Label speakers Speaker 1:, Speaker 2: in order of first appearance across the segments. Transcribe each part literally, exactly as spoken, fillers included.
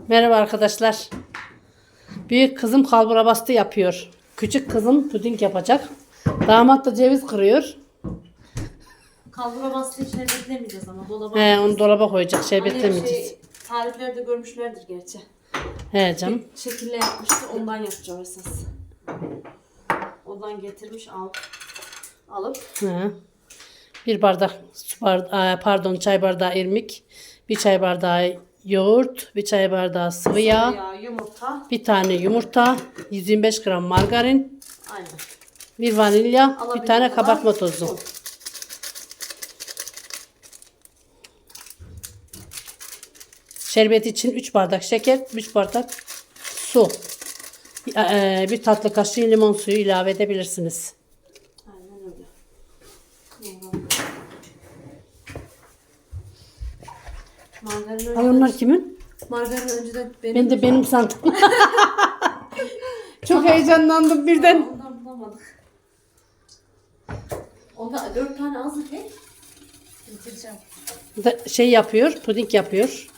Speaker 1: Merhaba arkadaşlar. Büyük kızım kalbura bastı yapıyor. Küçük kızım puding yapacak. Damat da ceviz kırıyor.
Speaker 2: Kalbura bastı içine beklemeyeceğiz ama dolaba.
Speaker 1: He, onu dolaba koyacak. Şey
Speaker 2: Annem
Speaker 1: beklemeyeceğiz.
Speaker 2: Şey, tariflerde görmüşlerdir gerçi.
Speaker 1: He canım.
Speaker 2: Bir şekilde yapmıştı, ondan yapacağım esas. Ondan getirmiş al. Alıp.
Speaker 1: He. Bir bardak su bardağı, pardon çay bardağı irmik, bir çay bardağı yoğurt, bir çay bardağı sıvı yağ,
Speaker 2: Ya, yumurta.
Speaker 1: bir tane yumurta, yüz yirmi beş gram margarin,
Speaker 2: Aynen.
Speaker 1: bir vanilya, bir
Speaker 2: Alabildiği
Speaker 1: tane
Speaker 2: kadar
Speaker 1: kabartma tozu.
Speaker 2: un.
Speaker 1: Şerbet için üç bardak şeker, üç bardak su. Ee, Bir tatlı kaşığı limon suyu ilave edebilirsiniz.
Speaker 2: Aynen öyle. Margarin
Speaker 1: Ay onlar kimin?
Speaker 2: Margarin önceden benim.
Speaker 1: Ben de benim sandım. Çok heyecanlandım birden.
Speaker 2: Ondan bulamadık. Onda dört tane az he. Bitireceğim.
Speaker 1: Da- Şey yapıyor, puding yapıyor.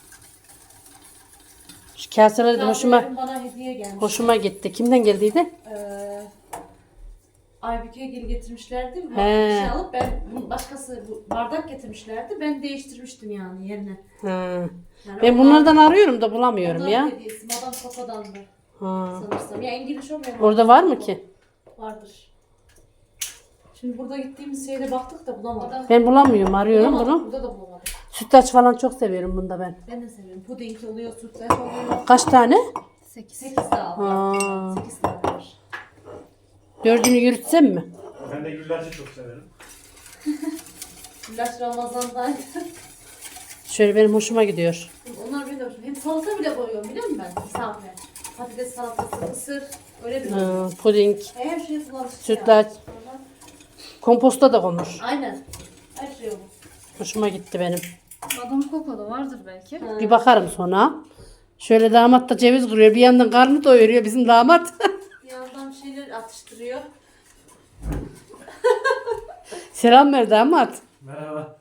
Speaker 1: Şu kaseler de hoşuma
Speaker 2: Bana hediye gelmiş.
Speaker 1: hoşuma gitti. Kimden geldiydi?
Speaker 2: Ee, Aybüke'ye geri getirmişlerdi. Bir
Speaker 1: He.
Speaker 2: şey alıp ben başkası bu bardak getirmişlerdi. Ben değiştirmiştim yani yerine.
Speaker 1: Ha.
Speaker 2: Yani
Speaker 1: Ben
Speaker 2: onlar-
Speaker 1: bunlardan arıyorum da bulamıyorum
Speaker 2: onların
Speaker 1: ya.
Speaker 2: hediyesi. Madame Coco'dandı
Speaker 1: Ha.
Speaker 2: sanırsam. Ya İngiliz olmayan.
Speaker 1: Orada var mı ki?
Speaker 2: Vardır. Şimdi burada gittiğimiz şeyde baktık da bulamadık.
Speaker 1: Ben bulamıyorum, arıyorum
Speaker 2: Bulamadık,
Speaker 1: bunu.
Speaker 2: burada da bulamadık.
Speaker 1: Sütlaç falan çok seviyorum bunda ben.
Speaker 2: Ben de seviyorum. Puding oluyor, sütlaç oluyor.
Speaker 1: Kaç tane?
Speaker 2: sekiz. sekiz daha
Speaker 1: Ha.
Speaker 2: var. sekiz tane var.
Speaker 1: Dördünü yürütsem mi?
Speaker 3: Ben de güllaçı çok severim.
Speaker 2: Güllaç Ramazan'dan.
Speaker 1: Şöyle benim hoşuma gidiyor.
Speaker 2: Onlar bile hoşuma. Hem salata bile koyuyorum biliyor musun ben? Misafire. Patates salatası, mısır. Öyle bir
Speaker 1: Ha, puding,
Speaker 2: Her şey kullanmış.
Speaker 1: sütlaç, komposta da konur.
Speaker 2: Aynen. Her şey olur.
Speaker 1: Hoşuma gitti benim.
Speaker 4: Madame Coco'da vardır belki.
Speaker 1: Bir bakarım sonra. Şöyle damat da ceviz kırıyor. Bir yandan karnı doyuruyor bizim damat.
Speaker 2: Bir yandan bir şeyler atıştırıyor.
Speaker 1: Selam ver damat.
Speaker 3: Merhaba.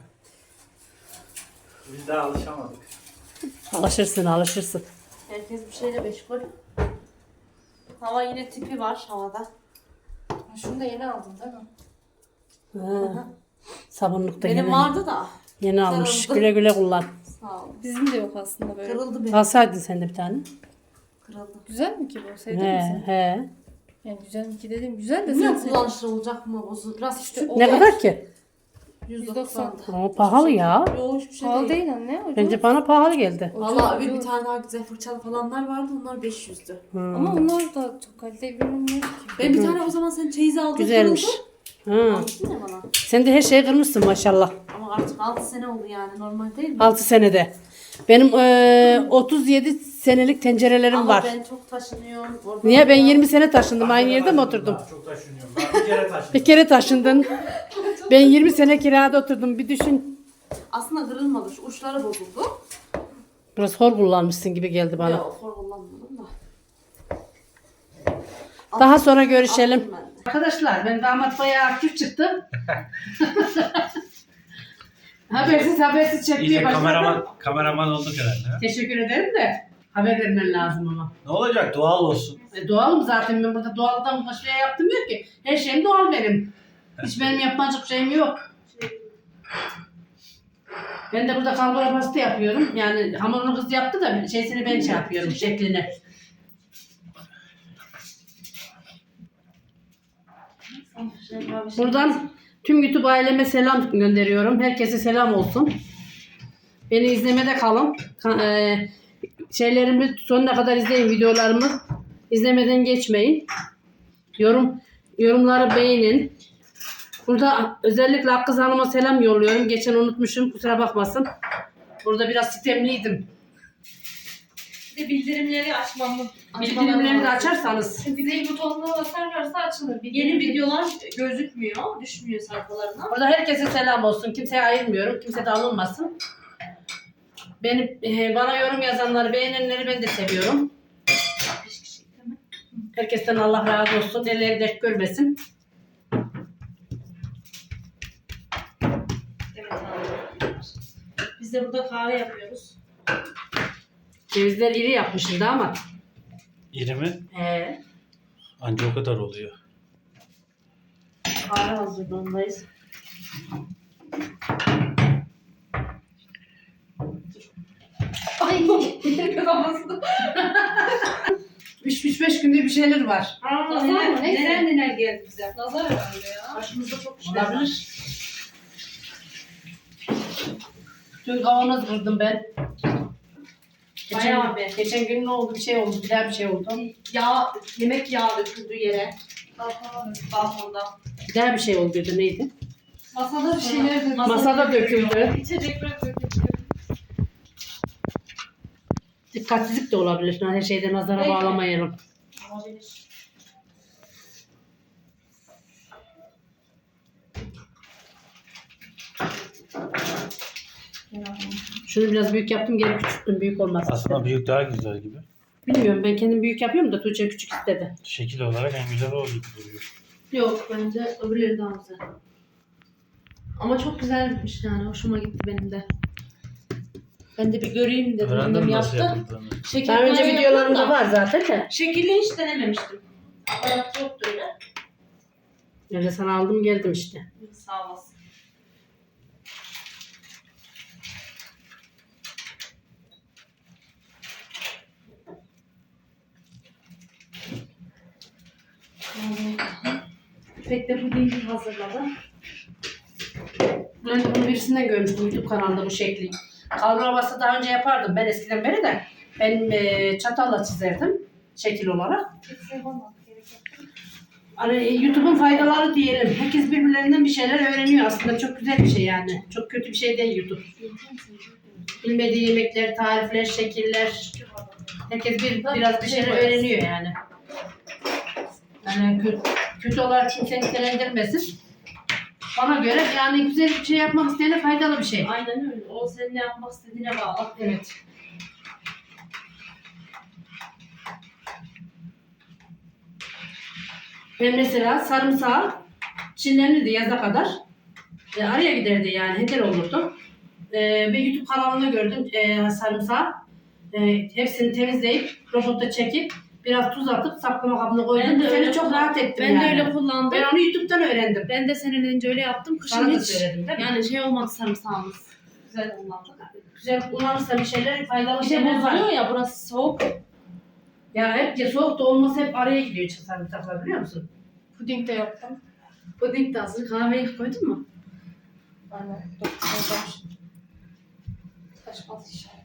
Speaker 3: Biz daha alışamadık.
Speaker 1: Alışırsın alışırsın.
Speaker 2: Herkes bir şeyle meşgul. Hava yine tipi var havada.
Speaker 4: Şunu da yeni aldım değil mi?
Speaker 1: Ha. Sabunluk da
Speaker 2: Benim
Speaker 1: yeni,
Speaker 2: vardı da.
Speaker 1: yeni almış.
Speaker 2: Kırıldı.
Speaker 1: Güle güle kullan.
Speaker 2: Sağ ol.
Speaker 4: Bizim de yok aslında böyle.
Speaker 2: Kırıldı benim.
Speaker 1: Alsaydın sen de bir tane.
Speaker 2: Kırıldı.
Speaker 4: Güzel mi ki bu? Sevdin
Speaker 1: He,
Speaker 4: mi sen?
Speaker 1: he.
Speaker 4: Yani güzel mi ki dedim. Güzel de sen
Speaker 2: Bilmiyorum
Speaker 4: sevdin.
Speaker 2: kullanışlı olacak mı? Bozul. Biraz işte o
Speaker 1: Ne kadar ki?
Speaker 2: yüz doksan.
Speaker 1: O pahalı ya.
Speaker 2: Yok hiçbir şey
Speaker 4: Pahalı
Speaker 2: değil.
Speaker 4: değil anne. Ucuz.
Speaker 1: Bence bana pahalı geldi.
Speaker 2: Valla
Speaker 4: Ucuz,
Speaker 2: bir, bir
Speaker 4: ucuz.
Speaker 2: tane daha güzel fırçalı falanlar vardı. Onlar beş yüzdü.
Speaker 4: Ama onlar da çok kaliteli görünmüyor ki.
Speaker 2: Ben bir tane o zaman sen çeyizi aldın.
Speaker 1: Güzelmiş.
Speaker 2: kırıldı.
Speaker 1: Ha.
Speaker 2: Almışsın ya bana.
Speaker 1: Sen de her şeyi kırmışsın maşallah.
Speaker 2: Ama artık altı sene oldu yani. Normal değil mi?
Speaker 1: altı senede. Benim eee, otuz yedi senelik tencerelerim
Speaker 2: Ama
Speaker 1: var.
Speaker 2: ben çok taşınıyorum. Orada
Speaker 1: Niye? Ben
Speaker 2: orada.
Speaker 1: yirmi sene taşındım. Aynı yerde mi oturdum?
Speaker 3: Daha çok taşınıyorum. Daha bir kere taşındım.
Speaker 1: Bir kere taşındın. Ben yirmi sene kirada oturdum. Bir düşün.
Speaker 2: Aslında kırılmadı. Şu uçları bozuldu.
Speaker 1: Biraz hor kullanmışsın gibi geldi bana.
Speaker 2: Yok hor kullanmadım da.
Speaker 1: Daha sonra görüşelim.
Speaker 2: Attım ben de.
Speaker 1: Arkadaşlar ben damat bayağı aktif çıktı. habersiz habersiz çekmeye
Speaker 3: İyice
Speaker 1: başladım.
Speaker 3: kameraman, kameraman olduk herhalde. ha?
Speaker 1: Teşekkür ederim de haber vermen lazım ama.
Speaker 3: Ne olacak? Doğal olsun.
Speaker 1: E, doğalım zaten, ben burada doğaldan başka şey yaptım yok ki. Her şeyim doğal benim. Hiç benim yapmacık şeyim yok. Ben de burada kalbura pasta yapıyorum. Yani hamurunu kız yaptı da şeysini ben şey yapıyorum, şeklini. Buradan tüm YouTube aileme selam gönderiyorum. Herkese selam olsun. Beni izlemede kalın. Ka- e, şeylerimi sonuna kadar izleyin, videolarımı. İzlemeden geçmeyin. Yorum yorumları beğenin. Burada özellikle Hakkı Hanım'a selam yolluyorum. Geçen unutmuşum, kusura bakmasın. Burada biraz sistemliydim.
Speaker 4: Bir de bildirimleri açmamı.
Speaker 1: Bildirimleri de açarsanız.
Speaker 4: Zil butonuna basarlarsa açılır.
Speaker 2: Yeni videolar gözükmüyor. Düşmüyor sayfalarına.
Speaker 1: Burada herkese selam olsun. Kimseye ayırmıyorum. Kimse de alınmasın. Benim, e, bana yorum yazanları, beğenenleri ben de seviyorum. Herkesten Allah razı olsun. Elleri dert görmesin.
Speaker 2: Evet abi. Biz de burada kahve yapıyoruz.
Speaker 1: Cevizler iri yapmışsın damat.
Speaker 3: İri mi?
Speaker 1: He.
Speaker 3: Anca o kadar oluyor.
Speaker 1: Kahve hazırlığındayız.
Speaker 2: Ay kafasında.
Speaker 1: üç üç beş günde bir şeyler var.
Speaker 2: Nazar mı? Neyse.
Speaker 4: Neler neler geldi bize.
Speaker 2: Nazar herhalde ya.
Speaker 4: Başımızda çok işler var.
Speaker 1: Olabilir. Dün kavanoz kırdım ben.
Speaker 2: Bayağı
Speaker 1: Geçen, geçen gün ne oldu? Bir şey oldu. Bir daha bir şey oldu.
Speaker 2: Yağ, yemek yağı döküldü yere. Balkonda.
Speaker 1: Bir daha bir şey olduydu. Neydi?
Speaker 2: Masada bir şeyler döküldü.
Speaker 1: Masada döküldü.
Speaker 2: İçecekler döküldü.
Speaker 1: Dikkatsizlik de olabilir. Her şeyden nazara
Speaker 2: Peki.
Speaker 1: bağlamayalım.
Speaker 2: Olabilir.
Speaker 1: Şunu biraz büyük yaptım. Geri küçülttüm. Büyük olmasın.
Speaker 3: Aslında büyük daha güzel gibi.
Speaker 1: Bilmiyorum. Ben kendim büyük yapıyorum da Tuğçe küçük istedi.
Speaker 3: Şekil olarak en güzel o gibi duruyor.
Speaker 2: Yok bence öbürleri daha güzel. Ama çok güzel bitmiş yani. Hoşuma gitti benim de. Ben de bir göreyim dedim.
Speaker 3: Öğrendin
Speaker 2: Annem
Speaker 3: mi nasıl
Speaker 2: yaptı.
Speaker 3: yapıldığını?
Speaker 2: Şekil
Speaker 1: Daha önce
Speaker 2: falan
Speaker 1: videolarımda
Speaker 2: yaptım da
Speaker 1: var zaten de.
Speaker 2: Şekilli hiç denememiştim. Aparat yoktu öyle.
Speaker 1: Ben de sana aldım geldim işte.
Speaker 2: Sağ olasın. İpek de pudingi hazırladı.
Speaker 1: Ben de bunu birisinden görmüştüm YouTube kanalında bu şekli. Kalbur daha önce yapardım ben eskiden beri de. Ben e, çatalla çizerdim şekil olarak.
Speaker 2: Hiç yapamadık. Gerek yok.
Speaker 1: Hani e, YouTube'un faydaları diyelim. Herkes birbirlerinden bir şeyler öğreniyor aslında. Çok güzel bir şey yani. Çok kötü bir şey değil YouTube. Bilmediği yemekler, tarifler, şekiller. Herkes bir, biraz bir şeyler öğreniyor yani. Yani kötü, kötü olarak kimse nitelendirmesin. Bana göre yani güzel bir şey yapmak isteyene faydalı bir şey.
Speaker 2: Aynen öyle. O senin ne yapmak istediğine bağlı.
Speaker 1: Evet. Ben mesela sarımsağı çinlenirdi yaza kadar. E, araya giderdi yani heder olurdu. E, ve YouTube kanalında gördüm e, sarımsağı. E, hepsini temizleyip robotta çekip biraz tuz atıp saklama kabına koydum.
Speaker 2: Ben
Speaker 1: Bu
Speaker 2: de
Speaker 1: seni
Speaker 2: öyle
Speaker 1: çok
Speaker 2: kullan-
Speaker 1: rahat ettim
Speaker 2: Ben
Speaker 1: yani.
Speaker 2: de öyle kullandım.
Speaker 1: Ben onu YouTube'dan öğrendim.
Speaker 2: Ben de senin önce öyle yaptım. Kışın
Speaker 1: Sana da
Speaker 2: hiç
Speaker 1: söyledim değil mi?
Speaker 2: yani şey olmadı sarımsağımız. Güzel kullandık.
Speaker 1: Güzel kullanırsa bir şeyler faydalı
Speaker 2: Bir de
Speaker 1: şeyler var.
Speaker 2: bozuluyor ya burası soğuk.
Speaker 1: Ya hep ya soğuk da olması hep araya gidiyor sarımsaklar biliyor musun?
Speaker 2: Puding de yaptım. Puding de hazır. Kahveyi koydun mu?
Speaker 4: Aynen. Dokuz Taşmaz inşallah.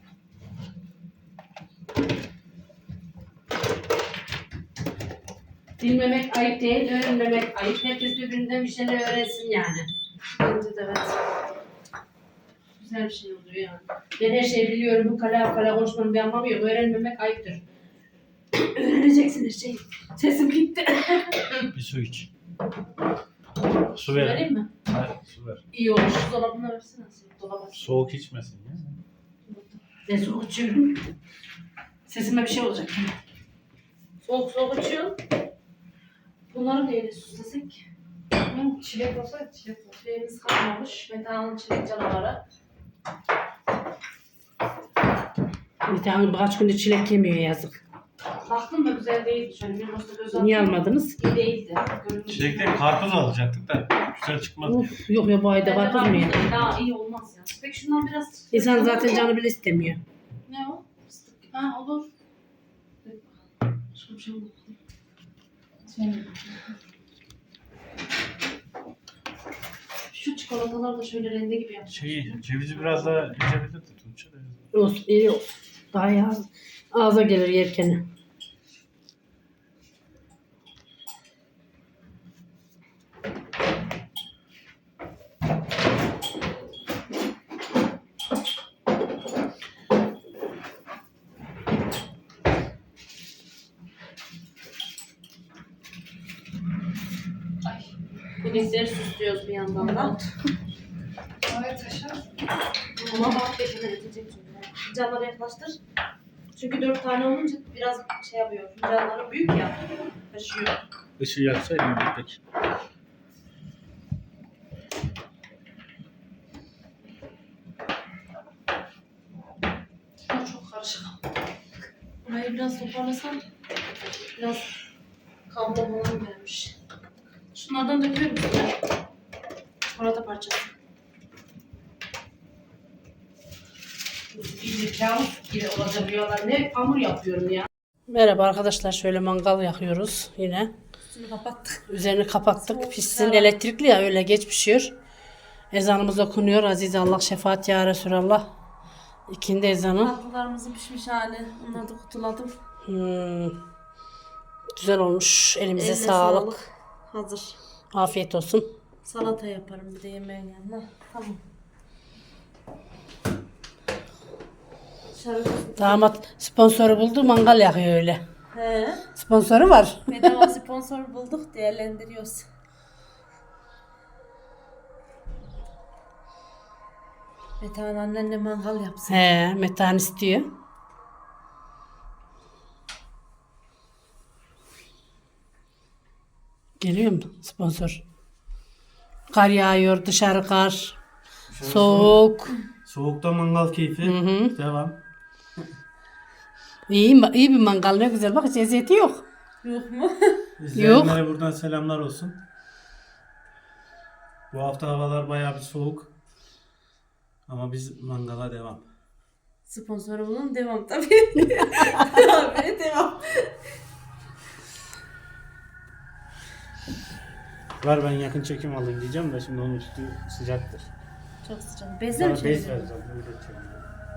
Speaker 1: Bilmemek ayıp değil, öğrenmemek ayıp. Herkes birbirinden bir şeyler öğrensin yani.
Speaker 2: Bence de evet. Güzel bir şey oluyor yani.
Speaker 1: Ben her şeyi biliyorum, bu kala kala konuşmanın bir anlamı yok. Öğrenmemek ayıptır. Öğreneceksin her şeyi. Sesim gitti.
Speaker 3: Bir su iç. Su ver.
Speaker 2: Vereyim mi?
Speaker 3: Hayır, su ver.
Speaker 1: İyi olur.
Speaker 2: Dolabına versene. Dolaba.
Speaker 3: Soğuk içmesin ya.
Speaker 1: Ben soğuk içiyorum. Sesime bir şey olacak.
Speaker 2: Soğuk soğuk açıyorsun. Bunları neyle süslesek?
Speaker 4: Hı, çilek olsa çilek olur.
Speaker 2: Şeyimiz kalmamış. Metanın çilek canavarı.
Speaker 1: Bir tane birkaç gündür çilek yemiyor yazık.
Speaker 2: Baktım da güzel değildi. Şöyle bir nasıl göz
Speaker 1: Niye
Speaker 2: attım.
Speaker 1: almadınız?
Speaker 2: İyi değildi. Görünüyor.
Speaker 3: Çilekten karpuz alacaktık da güzel çıkmadı.
Speaker 1: Uf, yok ya bu ayda
Speaker 2: Bence
Speaker 1: karpuz mu ya?
Speaker 2: karpuz da daha iyi olmaz ya. Peki şundan biraz...
Speaker 1: İnsan zaten canı bile istemiyor.
Speaker 2: Ne o? Fıstık. Ha olur. Başka bir şey olmaz.
Speaker 4: Senin.
Speaker 2: Şu çikolatalar da şöyle rende gibi yapmış.
Speaker 3: Şeyi, cevizi biraz daha incebilirdi Tuğçe de.
Speaker 1: Olsun, iyi olsun. Daha iyi ağız, ağza gelir yerken.
Speaker 2: Pudingleri süslüyoruz bir yandan da.
Speaker 4: Oraya taşar.
Speaker 2: Ama bak beşine yetecek çünkü. Fincanları yaklaştır. Çünkü dört tane olunca biraz şey yapıyor. Fincanları büyük ya. Taşıyor.
Speaker 3: Işığı yaksaydın peki.
Speaker 2: Çok, çok karışık. Burayı biraz toparlasam biraz kablo falan vermiş. Şunlardan döküyor musun? Çikolata parçası.
Speaker 1: Bir kabus gibi olacak rüyalar. Ne hamur yapıyorum ya. Merhaba arkadaşlar, şöyle mangal yakıyoruz yine.
Speaker 2: Üstünü kapattık.
Speaker 1: Üzerini kapattık. Pişsin, elektrikli ya, öyle geç pişiyor. Ezanımız okunuyor. Aziz Allah, şefaat ya Resulallah. İkindi ezanı.
Speaker 2: Tatlılarımızın pişmiş hali. Onları da kutuladım.
Speaker 1: Hmm. Güzel olmuş. Elimize
Speaker 2: Eline
Speaker 1: sağlık.
Speaker 2: Hazır.
Speaker 1: Afiyet olsun.
Speaker 2: Salata yaparım bir de yemeğin yanına. Tamam. Dışarı
Speaker 1: Damat sponsoru buldu, mangal yakıyor öyle.
Speaker 2: He.
Speaker 1: Sponsoru var.
Speaker 2: Bedava sponsor bulduk, değerlendiriyoruz. Metehan annenle mangal yapsın.
Speaker 1: He, Metehan istiyor. Geliyor mu sponsor? Kar yağıyor, dışarı kar. Soğuk.
Speaker 3: Soğukta mangal keyfi.
Speaker 1: Hı hı.
Speaker 3: Devam.
Speaker 1: İyi, iyi bir mangal, ne güzel. Bak hiç eziyeti yok.
Speaker 2: Yok mu?
Speaker 3: İzleyenlere buradan selamlar olsun. Bu hafta havalar bayağı bir soğuk. Ama biz mangala devam.
Speaker 2: Sponsoru bulun, devam tabii. Abi devam.
Speaker 3: Ver ben yakın çekim alayım diyeceğim de şimdi onun üstü sıcaktır.
Speaker 2: Çok sıcak. Bezle mi
Speaker 3: Sana bez
Speaker 2: çevirelim?
Speaker 3: vereceğim. öyle çevireceğim.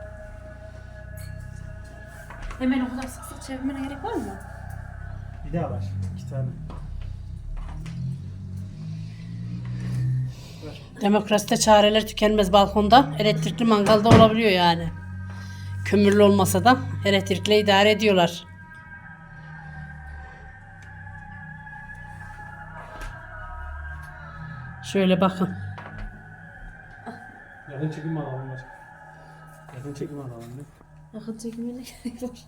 Speaker 2: Hemen o kadar sık sık çevirmene gerek var mı?
Speaker 3: Bir daha var. İki tane. Ver.
Speaker 1: Demokraside çareler tükenmez balkonda. Elektrikli mangalda olabiliyor yani. Kömürlü olmasa da elektrikle idare ediyorlar. Şöyle bakın.
Speaker 3: Yakın çekim alalım. Var. Yakın çekim alalım. Değil?
Speaker 2: Yakın çekimine gerek var.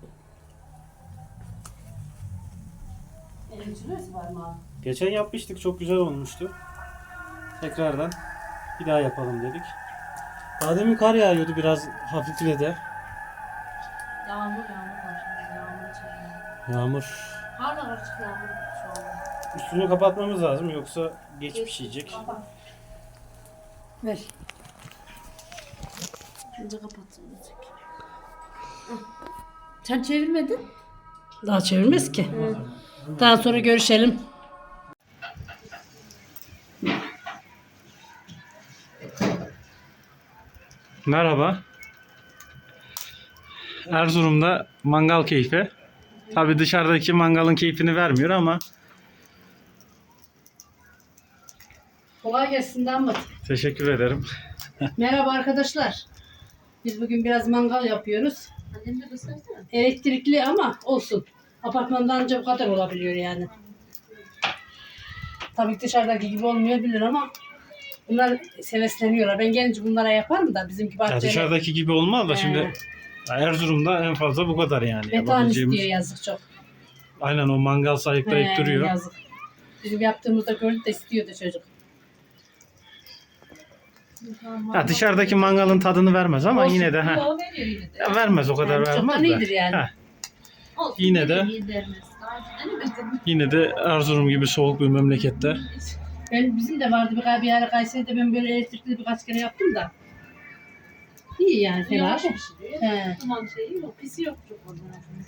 Speaker 3: Geçen yapmıştık. Çok güzel olmuştu. Tekrardan bir daha yapalım dedik. Daha demin kar yağıyordu, biraz hafifledi.
Speaker 2: Yağmur yağmur var şimdi. Yağmur çekiyor.
Speaker 3: Yağmur.
Speaker 2: Hala açık yağmur şu anda.
Speaker 3: Üstünü kapatmamız lazım yoksa geç pişecek.
Speaker 2: Kapat.
Speaker 1: Ver.
Speaker 2: Önce kapatsın. Sen çevirmedin.
Speaker 1: Daha çevirmez ki. Daha sonra görüşelim.
Speaker 3: Merhaba. Erzurum'da mangal keyfi. Tabii dışarıdaki mangalın keyfini vermiyor ama
Speaker 1: Kolay gelsin damat.
Speaker 3: teşekkür ederim.
Speaker 1: Merhaba arkadaşlar. Biz bugün biraz mangal yapıyoruz.
Speaker 2: Annem de göstersene.
Speaker 1: Elektrikli ama olsun. Apartmanda ancak bu kadar olabiliyor yani. Tabii ki dışarıdaki gibi olmayabilir ama bunlar sevesleniyorlar. Ben gelince bunlara yaparım da bizimki
Speaker 3: Ya
Speaker 1: bahçede.
Speaker 3: dışarıdaki gibi olmaz da
Speaker 1: He.
Speaker 3: şimdi Erzurum'da en fazla bu kadar yani.
Speaker 1: Metan
Speaker 3: yapabileceğimiz.
Speaker 1: istiyor yazık çok.
Speaker 3: Aynen, o mangal sayıklayıp
Speaker 1: He,
Speaker 3: duruyor.
Speaker 1: yazık. Bizim yaptığımızda gördü de istiyordu çocuk.
Speaker 3: Ya dışarıdaki mangalın tadını vermez ama
Speaker 1: Olsun.
Speaker 3: yine de ha.
Speaker 1: Yo, veriyor yine de.
Speaker 3: Ya vermez, o kadar
Speaker 1: Yani
Speaker 3: vermez
Speaker 1: çoktan
Speaker 3: de.
Speaker 1: iyidir yani.
Speaker 3: Ha,
Speaker 2: Olsun,
Speaker 3: Yine de-
Speaker 2: iyi dermez. Daha önce denemedim.
Speaker 3: yine de Erzurum gibi soğuk bir memlekette.
Speaker 1: Ben bizim de vardı bir, bir ara Kayseri'de ben böyle elektrikli birkaç kere yaptım da. İyi yani fena
Speaker 2: Yavaş
Speaker 1: değil.
Speaker 2: pişiriyor.
Speaker 1: He.
Speaker 2: Duman şeyi yok. Pisi yok çok orada.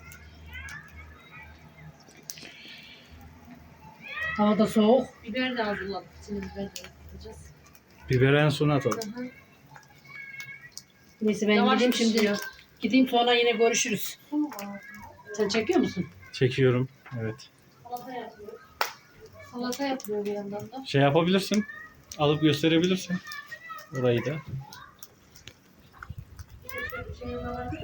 Speaker 1: Havada soğuk.
Speaker 2: Biber de hazırladık. İçine biber de atacağız.
Speaker 3: Biberi en sona atalım.
Speaker 2: Aha.
Speaker 1: Neyse ben
Speaker 2: Yavaş
Speaker 1: gideyim şimdi.
Speaker 2: pişiyor.
Speaker 1: Gideyim sonra yine görüşürüz. Sen çekiyor musun?
Speaker 3: Çekiyorum. Evet.
Speaker 2: Salata yapıyor. Salata yapıyor bir yandan da.
Speaker 3: Şey yapabilirsin. Alıp gösterebilirsin. Orayı da.
Speaker 2: Şey yapıyorlar.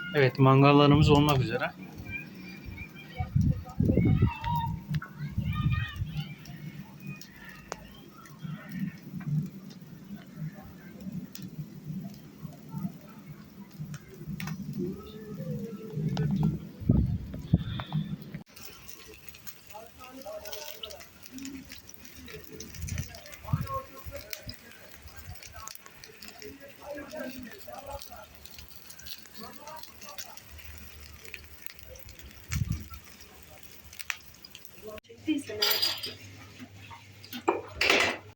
Speaker 3: Evet, mangallarımız olmak üzere.
Speaker 2: Çektiysen eğer.